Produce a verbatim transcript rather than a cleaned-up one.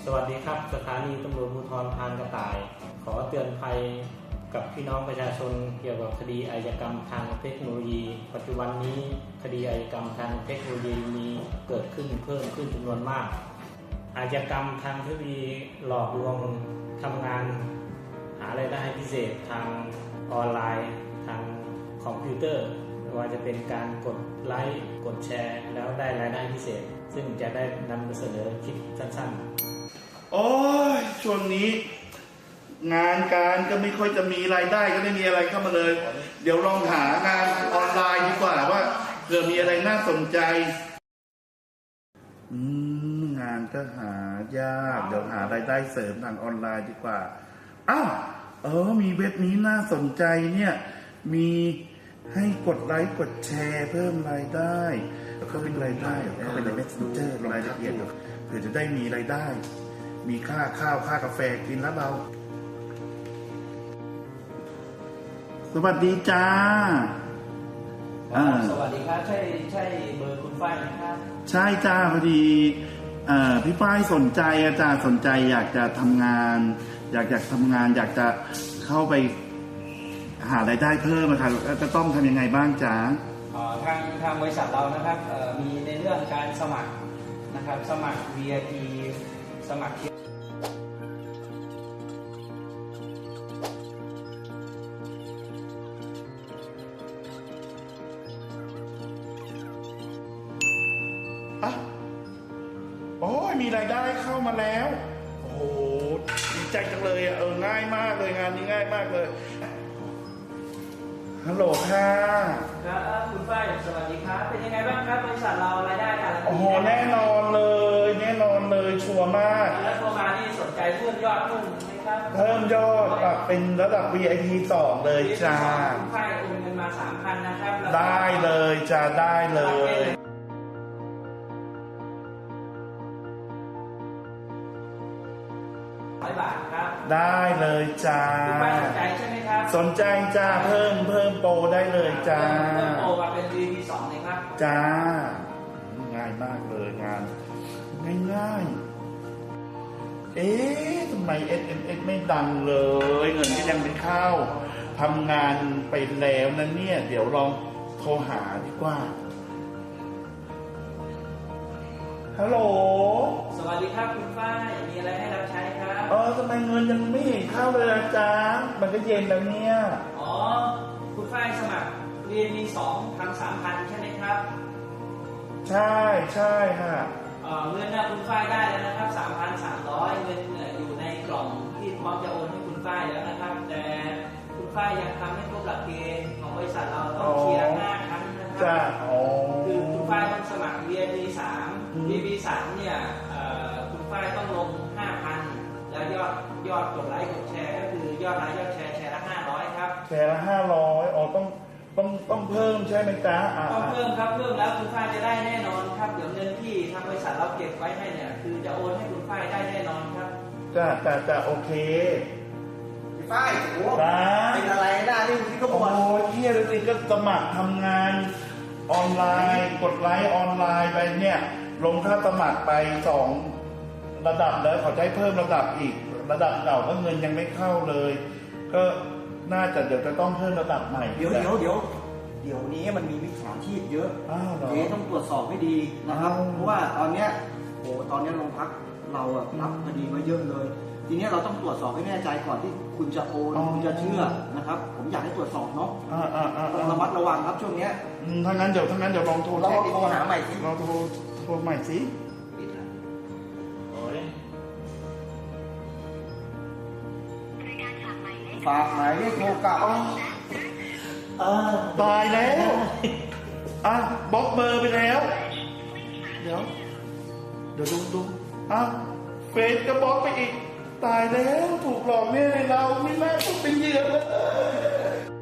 วัสดีครับสถานีตำรวจภูธรพานกระต่ายขอเตือนภัยกับพี่น้องประชาชนเกี่ยวกับคดีอาชญากรรมทางเทคโนโลยีปัจจุบันนี้คดีอาชญากรรมทางเทคโนโลยีมีเกิดขึ้นเพิ่มขึ้นจำนวนมากอาชญากรรมทางเทคโนโลยีหลอกลวงทำงานหารายได้พิเศษทางออนไลน์ทางคอมพิวเตอร์ไม่ว่าจะเป็นการกดไลค์กดแชร์แล้วได้รายได้พิเศษซึ่งจะได้นำมาเสนอคลิปสั้นๆโอ้ยช่วงนี้งานการก็ไม่ค่อยจะมีรายได้ก็ไม่มีอะไรเข้ามาเลยเดี๋ยวลองหางานออนไลน์ดีกว่าว่าเผื่อมีอะไรน่าสนใจอืมงานก็หายากเดี๋ยวหารายได้เสริมทางออนไลน์ดีกว่าอ้าวเออมีเว็บนี้น่าสนใจเนี่ยมีให้กดไลค์กดแชร์เพิ่มรายได้เข้าเป็นรายได้เข้าไปใน Messenger รายละเอียดเผื่อจะได้มีรายได้มีค่าข้าวค่ากาแฟกินแล้วเราสวัสดีจ้าสวัสดีครับใช่ใช่เบอร์คุณฝ้ายนะครับใช่จ้าพอดีพี่ฝ้ายสนใจอาจารย์สนใจอยากจะทำงานอยากอยากทำงานอยากจะเข้าไปหารายได้เพิ่มนะครับจะต้องทำยังไงบ้างจ๊ะทางทางบริษัทเรานะครับมีในเรื่องการสมัครนะครับสมัคร วี ไอ พี สมัครอ่ะโอ้ยมีรายได้เข้ามาแล้วโอ้โหดีใจจังเลยอ่ะเออง่ายมากเลยงานนี้ง่ายมากเลยฮัลโหลค่ะครับคุณฝ้ายสวัสดีครับเป็นยังไงบ้างครับบริษัทเรารายได้การโอ้โหแน่นอนเลยแน่นอนเลยชัวร์มากแล้วโทรมานี่สนใจเพิ่มยอดเพิ่มไหมครับเพิ่มยอดปรับเป็นระดับ วี ไอ พี สองเลยจ้าคุณฝ้ายโอนเงินมา สามพัน นะครับได้เลยจ้าได้เลยร้อยบาทครับได้เลยจ้าคุณฝ้ายสนใจใช่ไหมครับสนใจจ้าเพิ่มเพิ่มโปรได้เลยจ้าเพิ่มโปรมาเป็น วี พี สองเลยครับจ้าง่ายมากเลยงานง่ายๆเอ๊ะทำไม เอส เอ็ม เอส ไม่ดังเลยเงินก็ยังไม่เข้าทำงานไปแล้วนะเนี่ยเดี๋ยวลองโทรหาดีกว่าฮัลโหลสวัสดีครับคุณฝ้ายมีอะไรให้รับใช้ครับเออทำไมเงินยังไม่เห็นเข้าเลยอาจารย์มันก็เย็นแล้วเนี่ยอ๋อคุณฝ้ายสมัคร วี ไอ พี สองทำ สามพัน ใช่ไหมครับใช่ใช่ค่ะเงินนะคุณฝ้ายได้แล้วนะครับ สามพันสามร้อย เงินอยู่ในกล่องที่พร้อมจะโอนให้คุณฝ้ายแล้วนะครับแต่คุณฝ้ายยังทำไม่ครบหลักเกณฑ์ของบริษัทเราต้องเคลียร์ห้าครั้งนะครับคือคุณฝ้ายต้องสมัคร วี ไอ พี สาม วี ไอ พี สามเนี่ยคุณฝ้ายต้องลง ห้าพัน แล้วยอดยอดกดไลค์กดแชร์ก็คือยอดไลค์ยอดแชร์แชร์ละห้าร้อยครับแชร์ละห้าร้อยอ๋อต้องต้องต้องเพิ่มใช่ไหมจ๊ะต้องเพิ่มครับเพิ่มแล้วคุณฝ้ายจะได้แน่นอนครับเดี๋ยวเงินที่ทางบริษัทเราเก็บไว้ให้เนี่ยคือจะโอนให้คุณฝ้ายได้แน่นอนครับจ้ะจ้ะจ้ะโอเคพี่ฝ้ายโอ้เป็นอะไรได้นี่พี่ก็บอกโอ้ยเฮียเลยสิก็สมัครทำงานออนไลน์กดไลค์ออนไลน์ไปเนี่ยลงค่าสมัครไปสองระดับแล้วเขาจะให้เพิ่มระดับอีกระดับเก่าก็เงินยังไม่เข้าเลยก็น่าจะเดี๋ยวจะต้องเพิ่มระดับใหม่เดี๋ยวเดี๋ยวเดี๋ยวเดี๋ยวนี้มันมีมิจฉาชีพเยอะเดี๋ยวต้องตรวจสอบให้ดีนะครับเพราะว่าตอนเนี้ยโอ้ตอนนี้โรงพักเราอะรับคดีมาเยอะเลยทีนี้เราต้องตรวจสอบให้แน่ใจก่อนที่คุณจะโอนคุณจะเชื่อนะครับผมอยากให้ตรวจสอบเนาะต้องระมัดระวังครับช่วงนี้ถ้างั้นเดี๋ยวถ้างั้นเดี๋ยวลองโทรเราโทรหาใหม่สิเราโทรโทรใหม่สิฝากหมายเลขโทรกลับตายแล้วอ่ะบล็อกเบอร์ไปแล้วเดี๋ยวเดี๋ยวดูดูอ่ะเฟซก็บล็อกไปอีกตายแล้วถูกหลอกแน่เลยเราไม่น่าต้องเป็นเหยื่อเลย